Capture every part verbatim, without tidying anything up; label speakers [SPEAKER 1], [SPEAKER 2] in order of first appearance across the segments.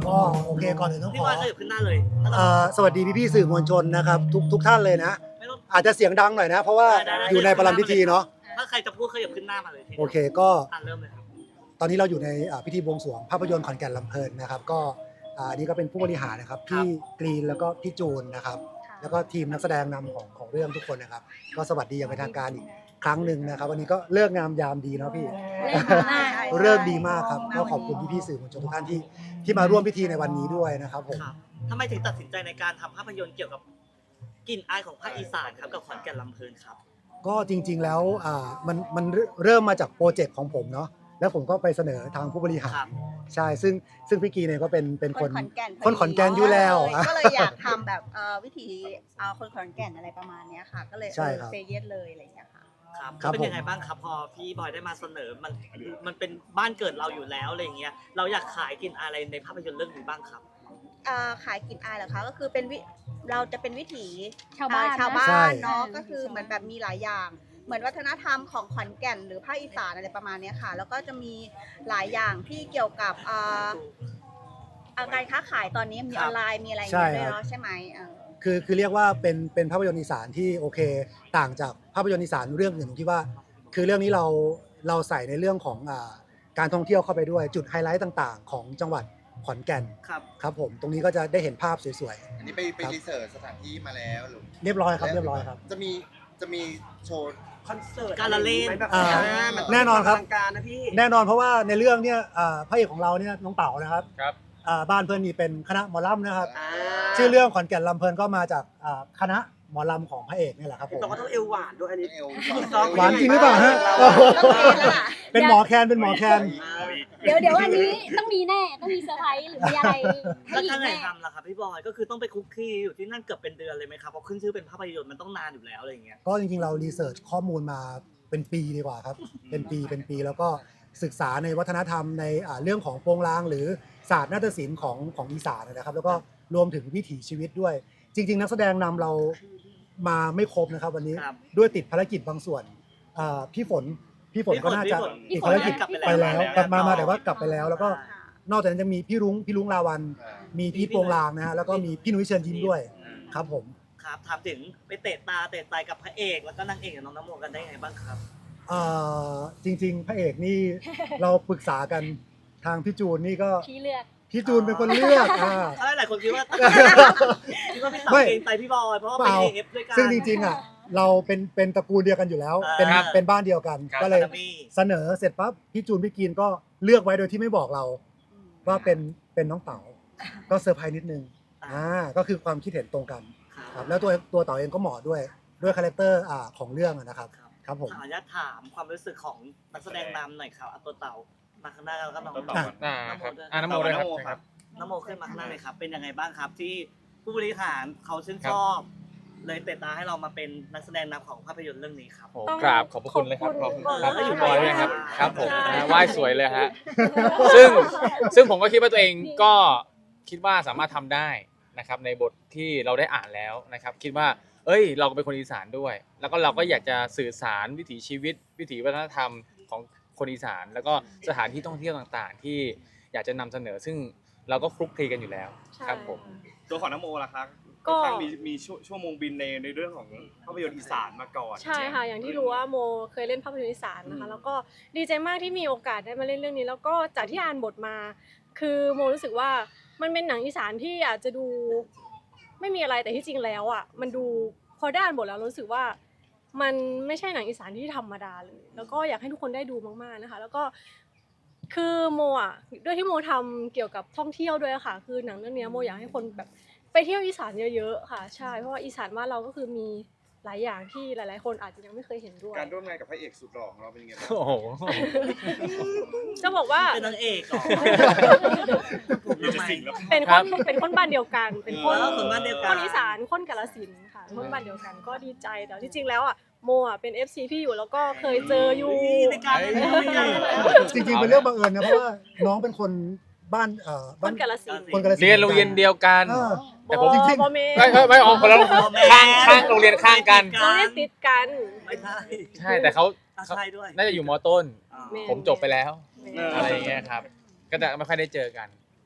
[SPEAKER 1] ก็โอเคก่อนอื่นต้องข
[SPEAKER 2] พี่
[SPEAKER 1] อ
[SPEAKER 2] บอยขยับขึ้นหน้าเลย
[SPEAKER 1] เอ่อสวัสดีพี่ๆสื่อมวลชนนะครับทุกทุกท่านเลยนะ
[SPEAKER 2] ไม่ต้อง
[SPEAKER 1] อาจจะเสียงดังหน่อยนะ เพราะว่า
[SPEAKER 2] ได้ได้
[SPEAKER 1] อยู่ในประลัมพิธีเนาะ
[SPEAKER 2] ถ้าใครจะพูดขยับขึ้นหน้ามาเลยที
[SPEAKER 1] โอเคก็
[SPEAKER 2] อ่ะเริ่มเลยครับ
[SPEAKER 1] ตอนนี้เราอยู่ในอ่าพิธีบวงสรวงภาพยนตร์ขอนแก่นลำเพลินนะครับก็อ่าอันนี้ก็เป็นผู้บริหารนะครับพี่กรีนแล้วก็พี่จูนนะครับแล้วก็ทีมนักแสดงนำของของเรื่องทุกคนนะครับก็สวัสดีอย่างเป็นทางการอีกครั้งหนึ่งนะครับวันนี้ก็เลิกงามยามดีเนาะพี่ เลิกดีมากครับก็ขอบคุณพี่ๆสื่อมวลชนทุกท่านที่ที่มาร่วมพิธีในวันนี้ด้วยนะครับผม
[SPEAKER 2] ครับทำไมถึงตัดสินใจในการทำภาพยนตร์เกี่ยวกับกลิ่นอายของภาคอีสานครับกับขอนแก่นลำเพลินครับ
[SPEAKER 1] ก็จริงๆแล้วอ่ามันมันเริ่มมาจากโปรเจกต์ของผมเนาะแล้วผมก็ไปเสนอทางผู้บริหาร
[SPEAKER 2] ครับ
[SPEAKER 1] ใช่ซึ่งซึ่งพี่กีเนี่ยก็เป็นเป็นคน
[SPEAKER 3] ขอนแก่น
[SPEAKER 1] คนขอนแก่นอยู่แล้ว
[SPEAKER 3] ก็เลยอยากทำแบบเอ่อวิถีเอาคนขอนแก่นอะไรประมาณเนี้ยค่ะ ก็เลย
[SPEAKER 1] ใช่ครับ
[SPEAKER 3] เซเยสเลยอะไรอย่างเงี้ยค่ะ
[SPEAKER 2] ครับ
[SPEAKER 1] ครับ
[SPEAKER 2] เป็น
[SPEAKER 1] ผม
[SPEAKER 2] ยังไงบ้างครับพอพี่บอยได้มาเสนอมันมันเป็นบ้านเกิดเราอยู่แล้วอะไรอย่างเงี้ยเราอยากขายกลิ่นอายอะไรในภาพยนตร์เรื่องนี้บ้างครับ
[SPEAKER 3] เอ่อขายกลิ่นอายเหรอคะก็คือเป็นวิเราจะเป็นวิถี
[SPEAKER 4] ชาวบ้าน
[SPEAKER 3] เอ่อชาวบ้า
[SPEAKER 1] ใช่
[SPEAKER 3] นเนาะก็คือเหมือนแบบมีหลายอย่าง เหมือนวัฒนธรรมของขอนแก่นหรือภาคอีสานอะไรประมาณเนี้ยค่ะ แล้วก็จะมีหลายอย่างที่เกี่ยวกับเอ่อเอ่อการค้าขายตอนนี้มี
[SPEAKER 2] ค
[SPEAKER 3] อ
[SPEAKER 2] รับ
[SPEAKER 3] อนไลน์มีอะไรอย่างเงี้ย
[SPEAKER 1] ใช่
[SPEAKER 3] ด้วย
[SPEAKER 1] ครับ
[SPEAKER 3] เนาะใช่ไหมเออ
[SPEAKER 1] คือคือเรียกว่าเป็นเป็นภาพยนตร์อีสานที่โอเค ต่างจากภาพยนตร์อีสานเรื่องอื่นตรงที่ว่า คือเรื่องนี้เราเราใส่ในเรื่องของอ่าการท่องเที่ยวเข้าไปด้วยจุดไฮไลท์ต่างๆ ของจังหวัดขอนแก่น
[SPEAKER 2] ครับ
[SPEAKER 1] ครับผมตรงนี้ก็จะได้เห็นภาพสวย
[SPEAKER 5] อันนี้ไปไป
[SPEAKER 1] ครับ
[SPEAKER 5] รีเสิร์ชสถานที่มาแล้วหรือ
[SPEAKER 1] ๆ เรียบร้อยครับเรียบร้อยครับ
[SPEAKER 5] จะมีจะมีโชว์
[SPEAKER 6] คอนเสิร์ต
[SPEAKER 2] การละเล่น
[SPEAKER 6] แบบ
[SPEAKER 1] อ่า
[SPEAKER 6] มั
[SPEAKER 1] แน่นอนครับ
[SPEAKER 6] อลังการนะพี่
[SPEAKER 1] แน่นอนเพราะว่าในเรื่องเนี่ยอ่าพระเอกของเราเนี่ยน้องเต๋านะครับ
[SPEAKER 5] ครับ
[SPEAKER 1] อ่าบ้านเพื่อนนี่เป็นคณะหมอลำนะครับ
[SPEAKER 6] อ่า
[SPEAKER 1] ชื่อเรื่องขอนแก่นลำเพลินก็มาจากอ่าคณะหมอลำของพระเอกนี่แหละครับผม
[SPEAKER 6] เราก็ต้องเอวหวานด้วยอันนี้
[SPEAKER 5] เอว
[SPEAKER 6] ซ้อม
[SPEAKER 1] หวานจริงหรือเปล่าฮะ
[SPEAKER 6] เรา
[SPEAKER 1] เป็นหมอแคนเป็นหมอแคน
[SPEAKER 4] เดี๋ยวเดี๋ยวอันนี้ต้องมีแน่ต้องมีเซอร์ไพรส์หรือมีอะไรให้
[SPEAKER 2] แล้ว
[SPEAKER 4] อี
[SPEAKER 2] ถ้าก ไหน
[SPEAKER 4] แน่
[SPEAKER 2] ทำล่ะครับพี่บอยก็คือต้องไปคุกคีอยู่ที่นั่นเกือบเป็นเดือนเลยไหมครับเพราะขึ้นชื่อเป็นภาพยนตร์มันต้องนานอยู่แล้วอะไรอย่างเงี้ย
[SPEAKER 1] ก็จริงๆเรารีเสิร์ชข้อมูลมาเป็นปีดีกว่าครับ เป็นปีเป็นปีแล้วก็ศึกษาในวัฒนธรรมในอ่าเรื่องของโปงลางหรือศาสตร์นาฏศิลป์ของของอีสานนะครับ แล้วก็รวมถึงวิถีชีวิตด้วย จริง ๆ นักแสดงนำเรามาไม่ครบนะครับ วันนี้
[SPEAKER 2] ครับ
[SPEAKER 1] ด้วยติดภารกิจบางส่วนอ่าพี่ฝนพี่ฝนก็น่าจะ
[SPEAKER 2] พี่
[SPEAKER 1] ติด
[SPEAKER 2] ฝน
[SPEAKER 1] ภารกิจ
[SPEAKER 2] กลับ
[SPEAKER 1] ไปแล้ว
[SPEAKER 2] แล้ว
[SPEAKER 1] กลับมามาแต่ว่ากลับไปแล้ว แล้วก็
[SPEAKER 3] ค่ะ
[SPEAKER 1] นอกจากนั้นจะมีพี่รุ้งพี่รุ้งลาวัน มีพี่โปงลางนะฮะแล้วก็มีพี่นุ้ยเชิญยิ้มด้วยครับผม
[SPEAKER 2] ครับถามถึงไปเตะตาเตะใจกับพระเอก แล้วก็นางเอกกับน้องน้ำโมกันได้ไงบ้างครับ
[SPEAKER 1] เอ่อจริง ๆ พระเอกนี่ เราปรึกษากันทางพี่จูนนี่ก็
[SPEAKER 4] พี่เลือก
[SPEAKER 1] พี่จูนเป็นคนเลือกอ่า
[SPEAKER 2] ถ้าหลายคนคิดว่าคิดว่าพี่สาว
[SPEAKER 1] ไม่
[SPEAKER 2] เกรงใจพี่บอยเพราะว่า
[SPEAKER 1] เป
[SPEAKER 2] เป็น
[SPEAKER 1] ล่า
[SPEAKER 2] เอฟด้วยกัน
[SPEAKER 1] ซึ่งจริงๆอ่ะเราเป็นเป็นตระกูลเดียวกันอยู่แล้ว
[SPEAKER 2] อ่า
[SPEAKER 1] เป็น
[SPEAKER 2] ครับ
[SPEAKER 1] เป็นบ้านเดียวกัน
[SPEAKER 2] ครับ
[SPEAKER 1] ก็เลย
[SPEAKER 2] คารามี่
[SPEAKER 1] เสนอเสร็จปั๊บพี่จูนพี่กินก็เลือกไว้โดยที่ไม่บอกเรา ว่าเป็นเป็นน้องเต๋าก็เซอร์ไพรส์นิดนึงอ่าก็คือความคิดเห็นตรงกันครับแล้วตัวตัวเต๋าเองก็เหมาะด้วยด้วยคาแรคเตอร์อ่าของเรื่องอะนะครับ
[SPEAKER 2] ครับ
[SPEAKER 1] ครับผม
[SPEAKER 2] ขออนุญาตถามความรู้สึกของนักแสดงนำหน่อยครับเอาตัวเต่ามาข้างหน้าแล้วก็น้อง
[SPEAKER 1] อ่ะ
[SPEAKER 7] อ่าครับอ่าน้ำโมด้วยครับใช่ครับ
[SPEAKER 2] น้องโมขึ้นมาข้างหน้าเลยครับเป็นยังไงบ้างครับที่ผู้บริหารเขาชื่นชอบ เลยเตะตาให้เรามาเป็นนักแสดงนำของภาพยนตร์เรื่องนี้ครับ
[SPEAKER 7] โอ้กราบขอบพระคุณเลยครับขอบคุณครับ
[SPEAKER 2] ขอบคุณ
[SPEAKER 7] คุณบอยด้วยครับครับผม
[SPEAKER 2] ใช่
[SPEAKER 7] นะไหว้สวยเลยฮะซึ่งซึ่งผมก็คิดว่าตัวเองก็คิดว่าสามารถทำได้นะครับในบทที่เราได้อ่านแล้วนะครับคิดว่าเอ้ยเราก็เป็นคนอีสานด้วย แล้วก็เราก็อยากจะสื่อสารวิถีชีวิต วิถีวัฒนธรรมของคนอีสาน แล้วก็สถานที่ท่องเที่ยวต่างๆ ที่อยากจะนำเสนอ ซึ่งเราก็คลุกคลีกันอยู่แล้วครับผม
[SPEAKER 8] ตัวของน้ำโมล่ะครับ
[SPEAKER 9] ก็
[SPEAKER 8] ค่อนข้างมีมีชั่วชั่วโมงบินในในเรื่องของภาพยนตร์อีสานมาก่อน
[SPEAKER 9] ใช่ค่ะอย่างที่รู้ว่าโมเคยเล่นภาพยนตร์อีสานนะคะแล้วก็ดีใจมากที่มีโอกาสได้มาเล่นเรื่องนี้ แล้วก็จากที่อ่านบทมา คือโมรู้สึกว่ามันเป็นหนังอีสานที่อาจจะดูไม่มีอะไรแต่ที่จริงแล้วอ่ะมันดูพอได้อ่านบทแล้วรู้สึกว่ามันไม่ใช่หนังอีสานที่ธรรมดาเลย แล้วก็อยากให้ทุกคนได้ดูมากๆนะคะ แล้วก็คือโมอ่ะด้วยที่โมทำเกี่ยวกับท่องเที่ยวด้วยค่ะ คือหนังเรื่องนี้โมอยากให้คนแบบไปเที่ยวอีสานเยอะๆค่ะใช่เพราะว่าอีสานบ้านเราก็คือมีหลายอย่างที่หลายๆคนอาจจะยังไม่เคยเห็นด้วย
[SPEAKER 8] การร่วมงานกับพระเอกสุดหล่อของเราเป็นยังไงบ้าง
[SPEAKER 7] โอ้โห
[SPEAKER 9] จะบอกว่า
[SPEAKER 2] เป็นนางเอกเหรอ
[SPEAKER 8] มีแต่สิ่งแล้ว
[SPEAKER 9] เป็น
[SPEAKER 7] ค
[SPEAKER 9] ค
[SPEAKER 7] รั
[SPEAKER 9] น
[SPEAKER 7] บ
[SPEAKER 9] เป็นคนบ้านเดียวกัน เป็นคน
[SPEAKER 2] เออคนบ้านเดียวกัน
[SPEAKER 9] คนอีสานคนกาฬสินธุ์ค่ะคนบ้านเดียวกันก็ดีใจแต่ที่จริงแล้วอ่ะโมอ่ะเป็น เอฟ ซี พี่อยู่แล้วก็เคยเจออยู่
[SPEAKER 2] ในการในการในการ
[SPEAKER 1] จริงๆเป็นเรื่องบังเอิญนะเพราะว่าน้องเป็นคนบ้านเอ่อ
[SPEAKER 9] ค
[SPEAKER 1] บ้าน
[SPEAKER 9] นกาฬสินธุ์
[SPEAKER 1] คนกาฬสินธุ์
[SPEAKER 7] เรียนโรงเรียนเดียวกัน
[SPEAKER 1] เออ
[SPEAKER 7] แต่ผม
[SPEAKER 1] จริงๆ
[SPEAKER 9] บอเม
[SPEAKER 7] ไม่ไม่ไม่ออกคนละข้างข้างโรงเรียนข้างกัน
[SPEAKER 9] โรงเรียนติดกัน
[SPEAKER 2] ไม่ใช่
[SPEAKER 7] ใช่แต่เขา
[SPEAKER 2] อ่ะใช่ด้วย
[SPEAKER 7] น่าจะอยู่มต้น
[SPEAKER 2] อ่า
[SPEAKER 9] แม่
[SPEAKER 7] ผมจบไปแล้ว
[SPEAKER 9] แม่
[SPEAKER 7] อะไรอย่างเงี้ยครับ ก็จะไม่ค่อยได้เจอกัน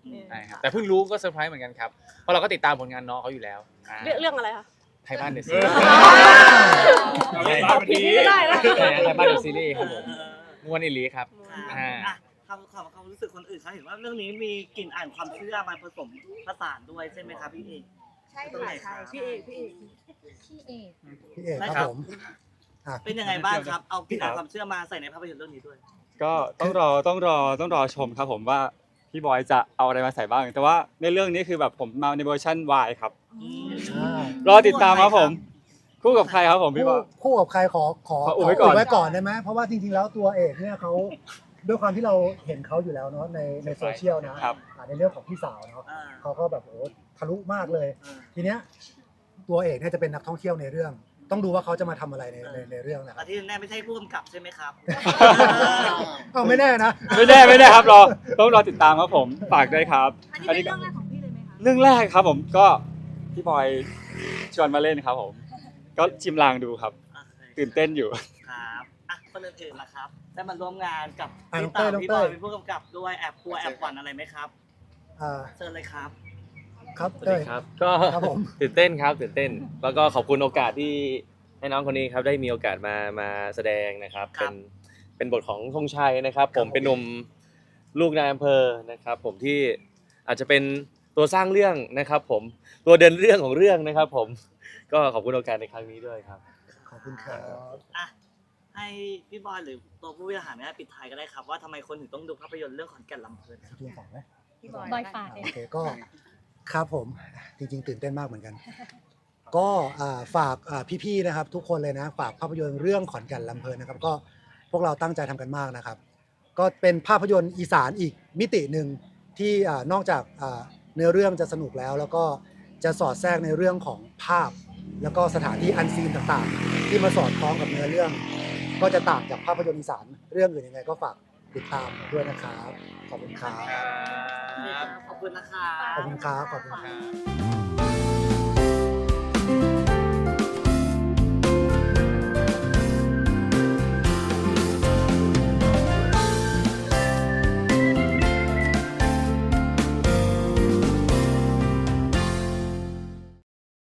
[SPEAKER 7] ใช่ครับแต่เพิ่งรู้ก็เซอร์ไพรส์เหมือนกันครับเพราะเราก็ติดตามผลงานน้องเขาอยู่แล้วอ่า
[SPEAKER 9] เรื่องเรื่องอะไรคะ
[SPEAKER 7] ไทยบ้านเดอะซี
[SPEAKER 8] ตอบผิดไม่ได้นะ
[SPEAKER 7] ไทยบ้านเดอะซีรีส์ครับผมม้วนอิลีครับ
[SPEAKER 2] อ่าอ่ะคำความความรู้สึกคนอื่นเขาเห็นว่าเรื่องนี้มีกลิ่นอ่านความเชื่อมาผสมผสานด้วยใช่ไหมครับพี่เอก
[SPEAKER 3] ใช่ค่ะใช่พี่เอกพี่เอก
[SPEAKER 4] พี่เอก
[SPEAKER 1] พี่เอกครับผมอ่ะ
[SPEAKER 2] เป็นยังไงบ้างครับเอากลิ่นอ่านความเชื่อมาใส่ในภาพยนตร์เรื่องนี้ด้วย
[SPEAKER 10] ก็ต้องรอต้องรอต้องรอชมครับผมว่าพี่บอยจะเอาอะไรมาใส่บ้าง แต่ว่าในเรื่องนี้คือแบบผมมาในเวอร์ชัน Y ครับ
[SPEAKER 1] อ่าร
[SPEAKER 10] อติดตามครับผม คู่กับใครครับผมพี่บ
[SPEAKER 1] คู่
[SPEAKER 10] อย
[SPEAKER 1] คู่กับใครขอขอ
[SPEAKER 10] ขออุบไว้ก่อน
[SPEAKER 1] ไว้ก่อนได้ไหมเพราะว่าจริงๆแล้วตัวเอกเนี่ยเขาด้วยความที่เราเห็นเขาอยู่แล้วเนาะในในโซเชียลนะครับ อ่าในเรื่องของพี่สาวเนาะ
[SPEAKER 2] อ่า
[SPEAKER 1] เขาก็แบบโอ้โหทะลุมากเลย
[SPEAKER 2] อ่า
[SPEAKER 1] ทีเนี้ยตัวเอกเนี่ยจะเป็นนักท่องเที่ยวในเรื่อง ต้องดูว่าเขาจะมาทำอะไรในในในเรื่องนะค
[SPEAKER 2] แต่
[SPEAKER 1] รับ
[SPEAKER 2] ที่แน่ไม่ใช่ผู้กำกับใช่ไหมครับ
[SPEAKER 1] เอาไม่แน่นะ
[SPEAKER 10] ไม่แน่ไม่แน่ครับรอต้องรอติดตามครับผมฝากด้วยครับ
[SPEAKER 3] อันนี้เป็นเรื่องแรกของพี่เลยไหมคะ
[SPEAKER 10] เรื่องแรกครับผมก็พี่บอยชวนมาเล่นครับผม ก็ชิมลางดูครับ ตื่นเต้นอยู่
[SPEAKER 2] ครับอ่ะคนอื่นๆนะครับได้มาร่วมงานกับ
[SPEAKER 1] อ่ะ
[SPEAKER 2] พี่
[SPEAKER 1] น้องเต้
[SPEAKER 2] ตาย
[SPEAKER 1] น้อง
[SPEAKER 2] พี่
[SPEAKER 1] เต้
[SPEAKER 2] บอย
[SPEAKER 1] ย
[SPEAKER 2] เป็นผู้กำกับด้วยแอบกลัวแอบหวั่นอะไรไหมครับ
[SPEAKER 1] อ่า
[SPEAKER 2] เชิญเลยครับ
[SPEAKER 1] ครับ
[SPEAKER 11] สวัส
[SPEAKER 1] เต้
[SPEAKER 11] ดี
[SPEAKER 1] ย
[SPEAKER 11] ครับก็
[SPEAKER 1] ครับผม
[SPEAKER 11] ตื่นเต้นครับตื่นเต้น แล้วก็ขอบคุณโอกาสที่ให้น้องคนนี้ครับได้มีโอกาสมามาแสดงนะครับ
[SPEAKER 2] ครั
[SPEAKER 11] เป็
[SPEAKER 2] บ
[SPEAKER 11] นเป็นบทของธงชัยนะครับ ผมเป็นหนุ่มลูกนายอำเภอนะครับ ผมที่อาจจะเป็นตัวสร้างเรื่องนะครับ ผมตัวเดินเรื่องของเรื่องนะครับ ผมก็ขอบคุณโอกาสในครั้งนี้ด้วยครับ
[SPEAKER 1] ขอบคุณครับ
[SPEAKER 2] อ่ะให้พี่บอยหรือตัวผู้บริหารเนี่ยปิดท้ายก็ได้ครับว่าทำไมคนถึงต้องดูภาพยนตร์เรื่องขอนแก่นลำเพลินครับ
[SPEAKER 1] พี่ฝากไหม
[SPEAKER 3] พี่บอย
[SPEAKER 4] บอยฝากเลย
[SPEAKER 1] โอเคก็ครับผมจริงๆตื่นเต้นมากเหมือนกัน ก็อ่าฝากอ่าพี่ๆนะครับ ทุกคนเลยนะฝากภาพยนตร์เรื่องขอนแก่นลำเพลินนะครับ ก็พวกเราตั้งใจทำกันมากนะครับ ก็เป็นภาพยนตร์อีสานอีกมิติหนึ่งที่อ่านอกจากอ่าเนื้อเรื่องจะสนุกแล้ว แล้วก็จะสอดแทรกในเรื่องของภาพ แล้วก็สถานที่อันซีนต่างๆ ที่มาสอดคล้องกับเนื้อเรื่อง ก็จะต่างจากภาพยนตร์อีสานเรื่องอื่นยังไงก็ฝากติดตามด้วยนะครับขอบคุณครับ
[SPEAKER 2] ขอบคุณนะครับ
[SPEAKER 1] ขอบคุณครับขอบคุณครับ